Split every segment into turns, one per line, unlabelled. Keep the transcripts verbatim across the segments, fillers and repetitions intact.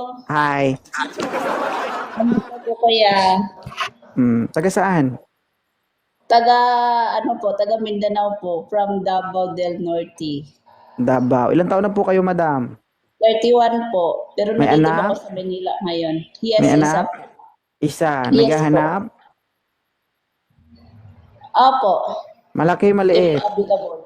Hi.
Kamusta po kuya?
Hmm, taga saan?
Taga ano po, taga Mindanao po, from Davao del Norte.
Davao. Ilang taon na po kayo, madam?
thirty-one po, pero
May
nandito na ako
anak?
sa Manila ngayon. Yes,
May
isa
anak?
po.
Isa.
Yes po.
Naghahanap?
Opo,
Malaki,
if
maliit?
applicable.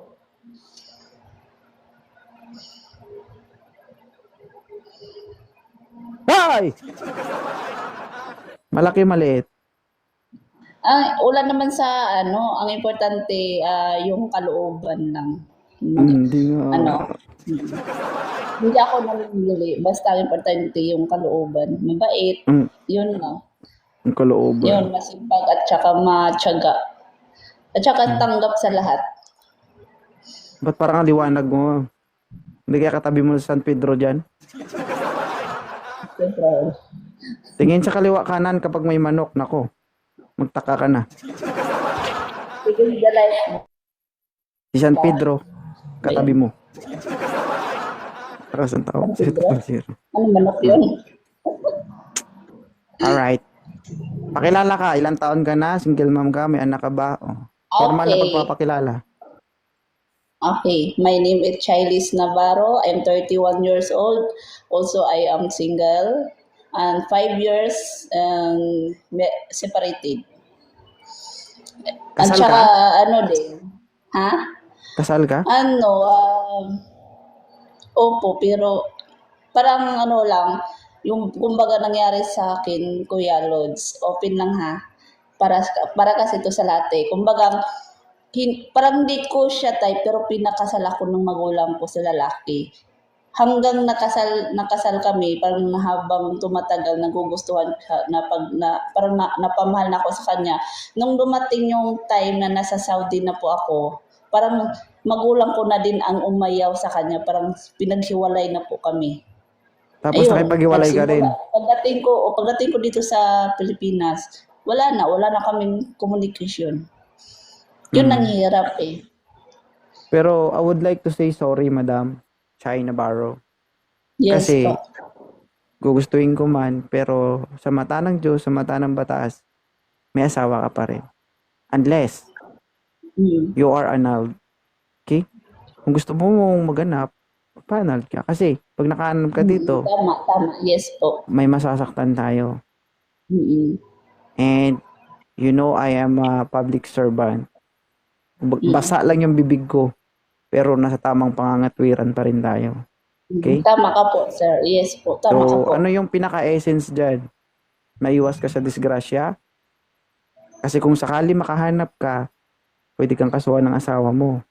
Hoy! Malaki, maliit?
Ang wala naman sa ano, ang importante ah, yung kalooban lang.
Hmm,
Mag,
Hindi nga.
ano, mm. Hindi ako namimili, basta ang importante yung kalooban. Mabait,
Ang,
yun lang.
ang kalooban.
Yun, masipag at saka matyaga. At saka
Hmm.
tanggap sa lahat.
Ba't parang ang liwanag mo? Hindi kaya katabi mo sa San Pedro dyan?
Siyempre.
Tingin sa kaliwa kanan kapag may manok. Nako, magtaka ka na.
Sige, dalay.
Si San Pedro, katabi mo. Takas ang tao.
San Pedro?
Zero.
Ano manok yun?
Alright. Pakilala ka. Ilang taon ka na? Single mom ka? May anak ka ba? Oh. Formal na
Okay.
pagpapakilala.
Okay. My name is Chilis Navarro. I'm thirty-one years old. Also, I am single. And five years um, me- separated. At
Kasal
saka,
ka?
ano din. Ha?
Kasal ka?
Ano, um, opo, pero parang ano lang, yung kumbaga nangyari sa akin, Kuya Lods, open lang ha, para, para kasi ito sa latte. Kumbaga, hin, parang hindi ko siya type, pero pinakasal ako ng magulang ko sa lalaki. Hanggang nakasal nakasal kami, parang habang tumatagal, nagugustuhan siya, na pag, na, parang na, napamahal na ako sa kanya. Nung dumating yung time na nasa Saudi na po ako, parang magulang ko na din ang umayaw sa kanya, parang pinaghiwalay na po kami.
Tapos
Ayun,
nakipaghiwalay ka rin.
nagsimula. Pagdating ko, o pagdating ko dito sa Pilipinas, wala na, wala na kaming communication. Yun ang
Mm.
hirap eh.
Pero I would like to say sorry, Madam Chai Navarro.
Yes
Kasi
po.
gugustuhin ko man, pero sa mata ng Diyos, sa mata ng batas, may asawa ka pa rin. Unless
Mm.
you are annulled. Okay? Kung gusto mo mong maganap, pa-annulled ka. Kasi pag naka-annulled ka
Mm,
dito,
tama, tama. Yes po.
may masasaktan tayo.
Mm,
And you know I am a public servant. Ba-
mm.
Basa lang yung bibig ko, pero nasa tamang pangangatwiran pa rin tayo. Okay?
Tama ka po, sir. Yes po, tama ka
So,
po.
ano yung pinaka-essence dyan? Maiwas ka sa disgrasya? Kasi kung sakali makahanap ka, pwede kang kasuhan ng asawa mo.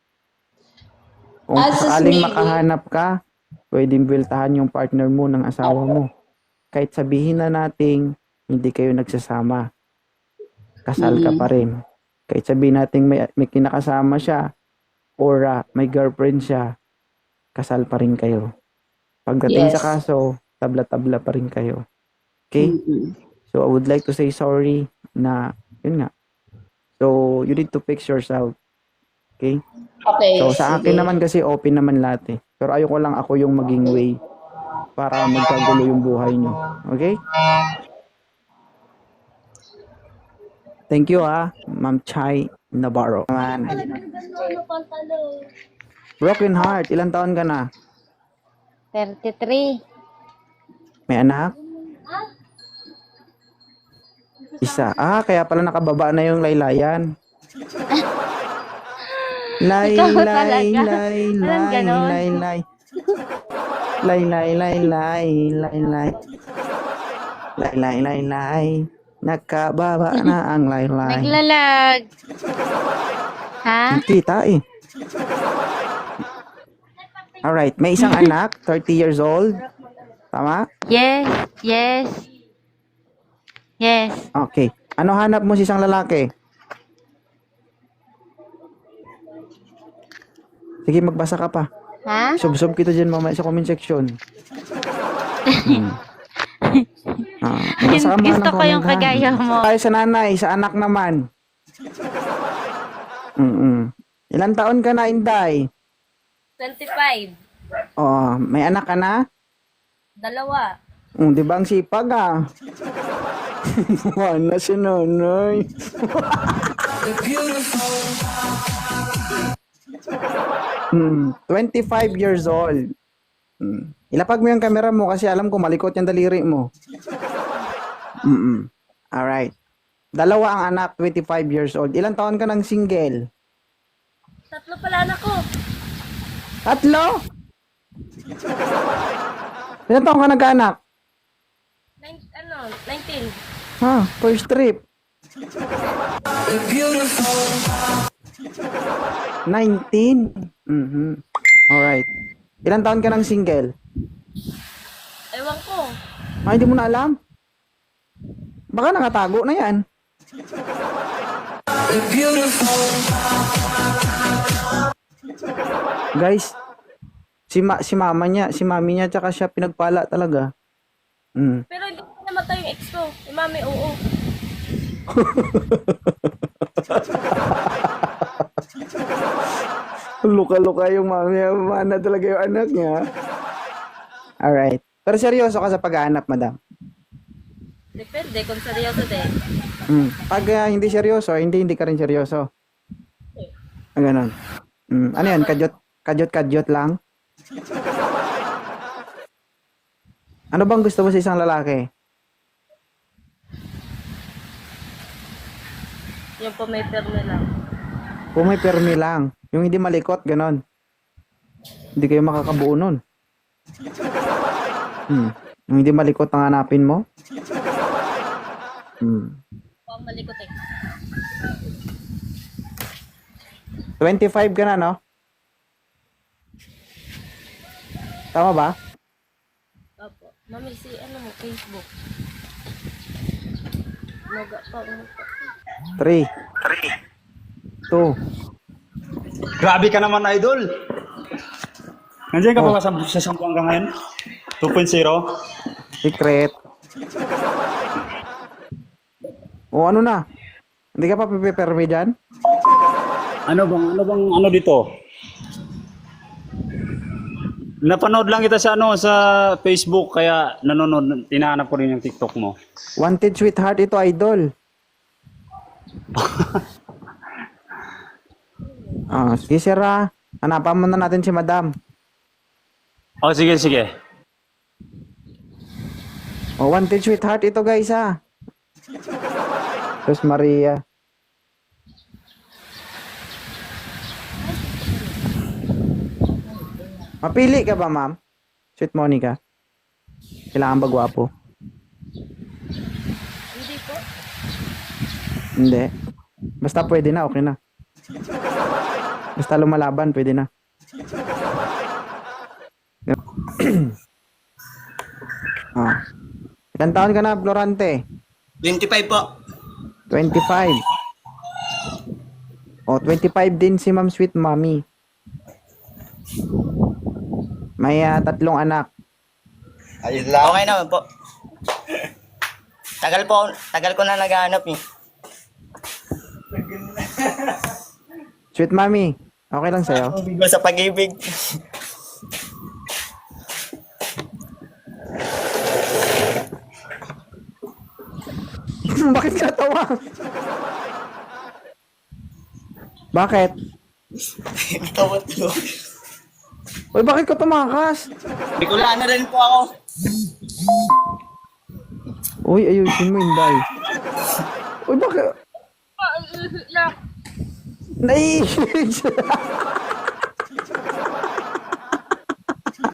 Kung
As is
sakaling
maybe,
makahanap ka, pwedeng biltahan yung partner mo ng asawa mo. Kahit sabihin na nating hindi kayo nagsasama, kasal ka
mm,
pa rin. Kahit sabihin nating may, may kinakasama siya or ah, may girlfriend siya, kasal pa rin kayo. Pagdating sa
yes.
kaso, tabla-tabla pa rin kayo. Okay?
Mm-mm.
So, I would like to say sorry na, yun nga. So, you need to fix yourself. Okay?
Okay,
So, sa akin
sige.
naman kasi open naman lahat eh. Pero ayoko lang ako yung maging way para magkagulo yung buhay nyo. Okay? Thank you ah, Ma'am Chai Navarro. Man. Broken heart, ilang taon ka na?
thirty-three.
May anak? Isa. Ah, kaya pala nakababa na yung laylayan. Lay,
Ikaw
lay,
talaga.
lay,
Walang
lay,
ganon.
lay, lay. Lay, lay, lay, lay, lay, lay. Lay, lay, lay, lay. Nakababa na ang lay, lay.
Naglalag. Ha?
Kita eh. Alright, may isang anak, thirty years old. Tama?
Yes, yes. Yes.
Okay. Ano hanap mo sa isang lalaki? Sige, magbasa ka pa.
Ha?
Sub-sub kita dyan mamaya sa comment section. Hmm. Ah, magbasa ka muna
Gusto
ng
ko yung
comment, ha?
kagaya mo.
Tayo sa nanay, sa anak naman. Mm-mm. Ilan taon ka na, Inday?
twenty-five.
Oh, may anak ka na?
Dalawa.
Um, di ba ang sipag ah? Wala si nanay. Hmm, twenty-five years old. Hmm. Ilapag mo yung camera mo kasi alam ko malikot yung daliri mo. Mm. Alright. Dalawa ang anak, twenty-five years old. Ilang taon ka ng single?
Tatlo pala anak ko.
Tatlo? Ilang taon ka nagkaanak?
Nine, ano, nineteen.
Ha, first trip. nineteen? Mhm. Alright. Ilang taon ka ng single?
Ewan ko.
Ay, hindi mo na alam? Baka nakatago na yan. Guys, si ma si mama niya, si mami niya tsaka siya pinagpala talaga. Mm.
Pero hindi ko namatay yung ex ko. Yung mami, oo.
Luka-luka yung mami, mana talaga yung anak niya. Alright. Pero seryoso ka sa pag-aanap, madam?
Depende kung seryoso din.
Mm. Pag ah, hindi seryoso, hindi hindi ka rin seryoso. Ah, ganun. Mm. Ano yan? Kadyot, kadyot, kadyot lang? Ano bang gusto mo sa isang lalaki?
Yung po may perme lang.
Kung may permi lang. Yung hindi malikot, ganon. Hindi kayo makakabuo nun. Hmm. Yung hindi malikot ang hanapin mo? Hmm.
Huwag malikot eh.
twenty-five ka na, no? Tama ba?
Opo. Mami, si ano mo, Facebook. Maga pa mo.
three. two.
Grabe ka naman, idol. Nandiyan ka pa ba sa, sa sampuan ka ngayon? two point oh?
Secret. O ano na? Hindi ka pa pipipermi dyan?
Ano bang, ano bang, ano dito? Napanood lang kita sa ano sa Facebook kaya nanonood, tinahanap ko rin yung TikTok mo.
Wanted sweetheart ito, idol. Ah, sige sir ah. Hanapan mo na natin si madam.
Oh, sige, sige.
Oh, wanted sweetheart ito guys ah. Sus Maria. Mapili ka ba, ma'am? Sweet Monica. Kailangan ba gwapo?
Hindi po.
Hindi. Basta pwede na, okay na. Basta lumalaban, pwede na. Ah. Ilan taon ka na, Florante?
twenty-five po.
twenty-five. Oh, twenty-five din si Ma'am Sweet Mommy. May ah, tatlong anak.
Ayun lang. Okay naman po. Tagal po, tagal ko na naghahanap eh.
Sweet Mommy, okay lang sa'yo?
Ang bigo sa pag-ibig.
Bakit ka tawa? Bakit?
Tawad ko.
Uy, bakit ka tumakas?
Bicolano rin po ako.
Uy, ayusin mo, Inday. Uy, bakit? Naiisip siya.